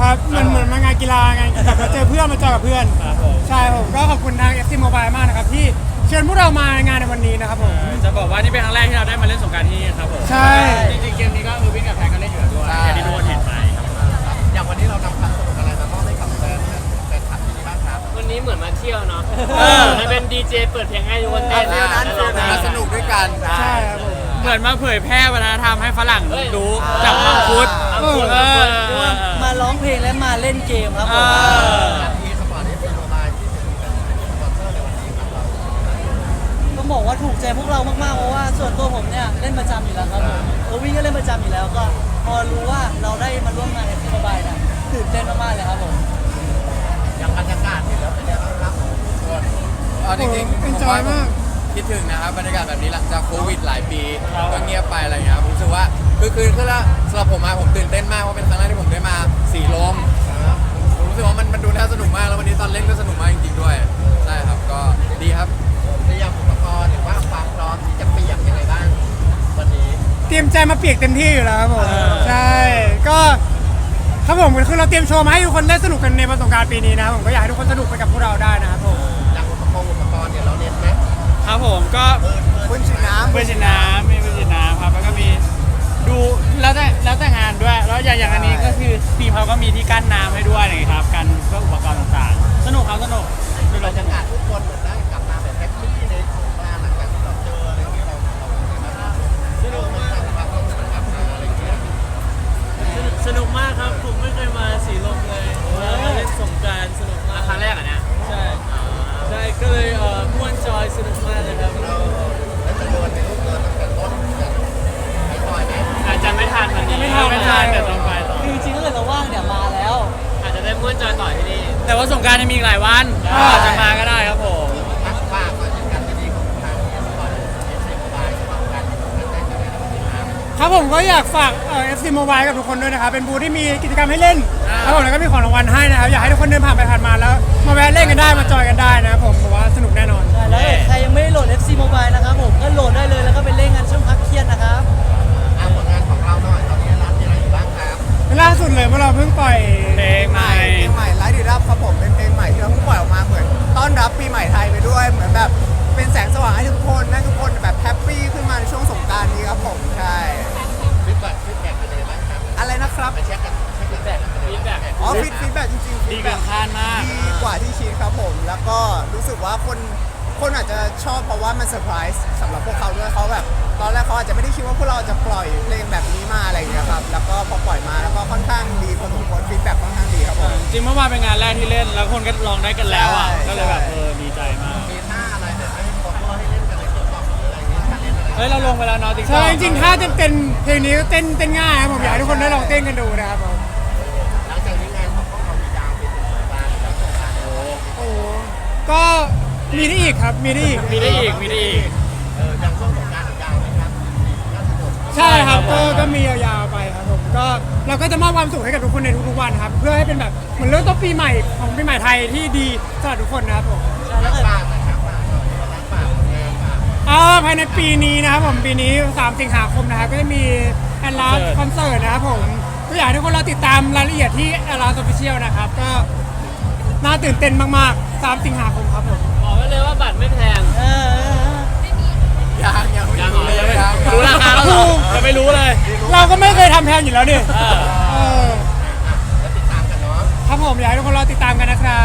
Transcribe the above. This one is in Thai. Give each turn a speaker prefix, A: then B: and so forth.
A: ครับเหมือนมางานกีฬาไงแบบมาเจอเพื่อนมาเจอกับเพื่อนใช่ผมก็ขอบคุณทาง FC Mobile มากนะครับที่เชิญพวกเรามางานในวันนี้นะครับผม
B: จะบอกว่านี่เป็นครั้งแรกที่เราได้มาเล่นสงกรานต์ที่นี่ครับผม
A: ใช่
B: จริงๆเกมนี้ก็วิ่งกับแพนก็เล่นอยู่แล้วด้วยอย่างที่ทุกคนเห็นไป
C: อย่างวันนี้เรานำความสนุกอะไรมามอบให้กับแฟนคลับที่นี่บ้างครับ
D: วันนี้เหมือนมาเที่ยวเนาะให้เป็นดีเจเปิดเพลงให้ทุกคนเต้น
C: มาสนุกด้วยกัน
A: ใช่ครับผม
B: เหมือนมาเผยแพร่วัฒนธรรมให้ฝรั่งรู้จากมังคุด
E: มาร้องเพลงและมาเล่นเกมครับผม
C: ที่สปอร์ตที่เป็นโมบายที่เป็นสปอนเซอร์ในวันนี้ครับ
E: ต้องบอกว่าถูกใจพวกเรามากๆเพราะว่าส่วนตัวผมเนี่ยเล่นประจำอยู่แล้วครับผมวิ่งก็เล่นประจำอยู่แล้วก็พอรู้ว่าเราได้มาร่วมงานในสบายนะตื่นเต้นมากๆเลยครับผม
C: อย่างบรรยากาศเห็นแล้วเป็นยังไงบ้างครับทุกคน
A: จริงๆเป็นจอยมาก
C: คิดถึงนะครับบรรยากาศแบบนี้หลังจากโควิดหลายปีก็เงียบไปอะไรเงี้ยผมรู้สึกว่าคือแล้วสำหรับผมผมตื่นเต้นมากว่าเป็นครั้งแรกที่ผมได้มาสีลมผมรู้สึกว่ามันดูน่าสนุกมากแล้ววันนี้ตอนเล่นก็สนุกมากจริงๆด้วยใช่ครับก็ดีครับเตรียมอุปกรณ์หรือว่าความพร้อมที่จะเปียกยังไงบ้างวันนี้
A: เตรียมใจมาเปียกเต็มที่อยู่แล้วครับผมใช่ก็ครับผมคือเราเตรียมโชว์มาให้ทุกคนได้สนุกกันในวันสงกรานต์ปีนี้นะครับผมก็อยากให้ทุกคนสนุกไปกับพวกเราได้นะครับผม
C: อย่างอุปกรณ์เนี่ยเราเน้นไหม
B: ครับผมก็
C: ปืนฉีดน้ำ
B: มีปืนฉีดน้ำครับแล้วก็มีดูแล้วแต่งานด้วยแล้วอย่างอันนี้ก็คือทีมเขาก็มีที่กั้นน้ำให้ด้วยนะครับกันเพื่ออุปกรณ์ต่างๆสนุกครับสนุก
C: บรรยากาศทุกคนเหมือนได้กลับมาแบบแฮปปี้ในสงกรานต์หลังจากที่เราเจออะไรอย่างเงี้ยเราสนุกมากครับมันกลับมาอะไรอย่างเงี้ย
D: สนุกมากครับผมไม่เคยมาสีลมเลยมาเล่นสงกรานต์สนุกมาก
B: ครั้งแรกอ่ะเนี่ย
D: ใช่ก็เลยม่วนจอยสนุกมากเลยครับ
C: แล้วจะเดินไปรูปเดินตั้งแต่ต้นไปต่อยไหม
B: อาจจะไม่ทันวันนี้ไม่ทันแต่ต้องไปต่อ
E: จริงๆถ้าเกิดเราว่างเนี่ยมาแล้ว
D: อาจจะได้ม่วนจอยต่อที่นี่
B: แต่ว่าสงกรานต์ยังมีอีกหลายวันอาจจะมาก็ได้ครับผม
C: ทักฝากมาถึงการดีของทางสปอร์ตสบายของการได้จากในวันนี้
A: ครับผมก็อยากฝากFC Mobile กับทุกคนด้วยนะครับเป็นบูธที่มีกิจกรรมให้เล่นครับผมแล้วก็มีของรางวัลให้นะครับอยากให้ทุกคนเดินผ่านไปผ่านมาแล้วมาแวะเล่นกันได้มาจอยกันได้นะครับผมว่าสนุกแน่นอน
E: แล้วใครยังไม่ได้โหลด FC Mobile นะครับผมก็โหลดได้เลยแล้วก็ไปเล่นกันช่วงพักเที่ยงนะครับ
C: ผลงานของเราหน่อยตอนนี้ร้านมีอะไรอยู่บ้างครับ
A: ล่าสุดเลยเมื่อเราเพิ่งปล่อย
B: เพลงใหม่
C: ไลฟ์ดีรับครับผมเป็นเพลงใหม่ที่เราเพิ่งปล่อยออกมาเหมือนต้อนรับปีใหม่ไทยไปด้วยเหมือนแบบเป็นแสงสว่างให้ทุกคนให้ทุกคนแบบแฮปปี้ขึ้นมาในช่วงสงกรานต์นี้ครับผมใช่ฟีดแบ็กเป็นยังไงบ้างครับอะไรนะครับไปเช็คกันฟีดแบ็กฟีดแบ็กจริงๆ
B: ดีเกินคาดมาก
C: ดีกว่าที่คิดครับผมแล้วก็รู้สึกว่าคนอาจจะชอบเพราะว่ามันเซอร์ไพรส์สำหรับพวกเขาด้วยเขาแบบตอนแรกเขาอาจจะไม่ได้คิดว่าพวกเราจะปล่อยเพลงแบบนี้มาอะไรอย่างเงี้ยครับแล้วก็พอปล่อยมาแล้วก็ค่อนข้างดีพอสมควรฟีดแบ็กค่อนข้างดีครับผม
B: จริงเมื่อวานเป็นงานแรกที่เล่นแล้วคนก็ลองได้กันแล้วอ่ะก็เลยแบบดีใจมาก
C: มีท่าอะไรแบบให้คนก็ให้เล่นกันในติ๊กต็อกอะไรอย่างเงี้ยเล่นอะไร
B: เฮ้ยเราลงไปแล้วเนาะติ๊กต็อก
A: ใช่จริงๆถ้าเต้นเพลงนี้ก็เต้นง่ายครับผมอยากให้ทุกคนได้ลองเต้นกันดูนะครับผม
C: หลังจากนี้งานของพวกเรามียาวเป็นสงกรานต์แล้วสงกรานต์
A: โอ้ก็มีได้อีกครับมีได้อีก
C: ยังช่วงสงกรานต์ยาวไหมครับ
A: ใช่ครับก็มียาวๆไปครับผมก็เราก็จะมอบความสุขให้กับทุกคนในทุกๆวันครับเพื่อให้เป็นแบบเหมือนเริ่มต้นปีใหม่ของปีใหม่ไทยที่ดีสำหรับทุกคนนะครับผม
C: แล้วฝากนะครับฝาก
A: ภายในปีนี้นะครับผมปีนี้3 สิงหาคมนะครับก็จะมีแอนลาสคอนเสิร์ตนะครับผมก็อยากให้ทุกคนเราติดตามรายละเอียดที่แอนลาสออฟฟิเชียลนะครับก็น่าตื่นเต้นมากๆ3 สิงหาคมครับผม
D: บอกไว้เลยว่าบัตรไม่แพง
C: ยัง
B: รู้ราคาแล้วจะไม่รู้เลย
A: เราก็ไม่เคยทำแพงอยู่แล้วดิ
C: แล้วติดตามกันเนาะ
A: ครับผมอยากให้ทุกคนรอติดตามกันนะครั